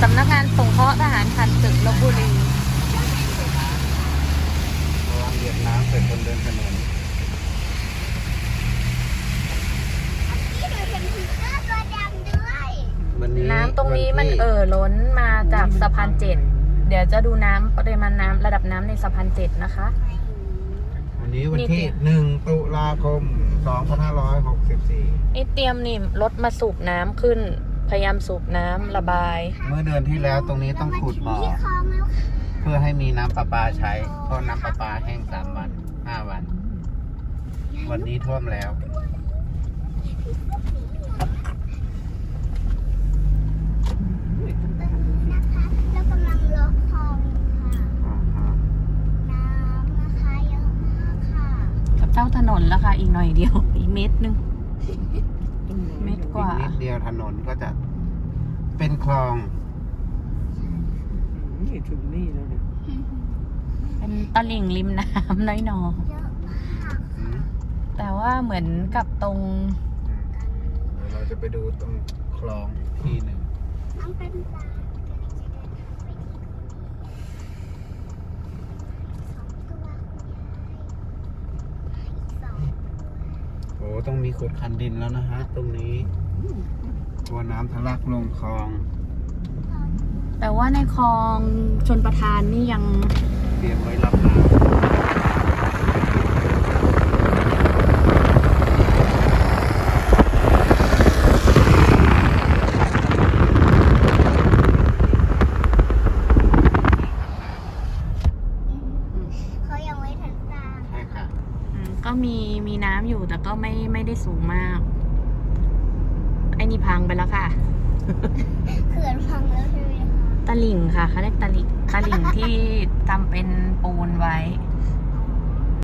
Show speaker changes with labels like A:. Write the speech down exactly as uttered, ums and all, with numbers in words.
A: สำนักงานสงเคราะห์ทหารผ่านศึกลพบุรี
B: ระวังเหยียบน้ำใส่คนเดินถนนวันนี้
A: น้ำตรงนี้มันเอ่อล้นมาจากสะพานเจ็ดเดี๋ยวจะดูน้ำปริมาณน้ำระดับน้ำในสะพานเจ็ดนะคะ
B: วันนี้วันที่หนึ่งตุลาคมสองพันห้าร้อยหกสิบสี่
A: นี่เตรียมนี่รถมาสูบน้ำขึ้นพยายามสูบน้ำระบาย
B: เมื่อเดือนที่แล้วตรงนี้ต้องขุดบ่อเพื่อให้มีน้ำประปาใช้เพราะน้ำประปาแห้งสามวันห้าวัน วันนี้ท่วมแล้ว
A: กับเจ้าถนนแล้วค่ะอีกหน่อยเดียวอีกเมตรนึงเมตรกว่า
B: นิดเดียวถนนก็จะเป็นคลอง
C: นี่ถึงนี่แล้วเนี่ย
A: เป็นตลิ่งริมน้ำน้อยๆแต่ว่าเหมือนกับตรง
B: เดี๋ยวเราจะไปดูตรงคลองที่หนึ่งโอ้ต้องมีขุดคันดินแล้วนะฮะตรงนี้กลัวน้ำทะลักลงคลอง
A: แต่ว่าในคลองชลประทานนี่ยัง
B: เตรียมไว้รับน้ำ
D: เขายังไม่ทันตา
B: ใช่ค่ะ
A: ก็มีมีน้ำอยู่แต่ก็ไม่ไม่ได้สูงมากไอ้นี่พังไปแล้วค่ะ
D: เขื่อนพังแล้วใช่ไหมคะ
A: ตลิ่งค่ะเขาเรียกตลิ่งตลิ่งที่ทำเป็นปูนไว้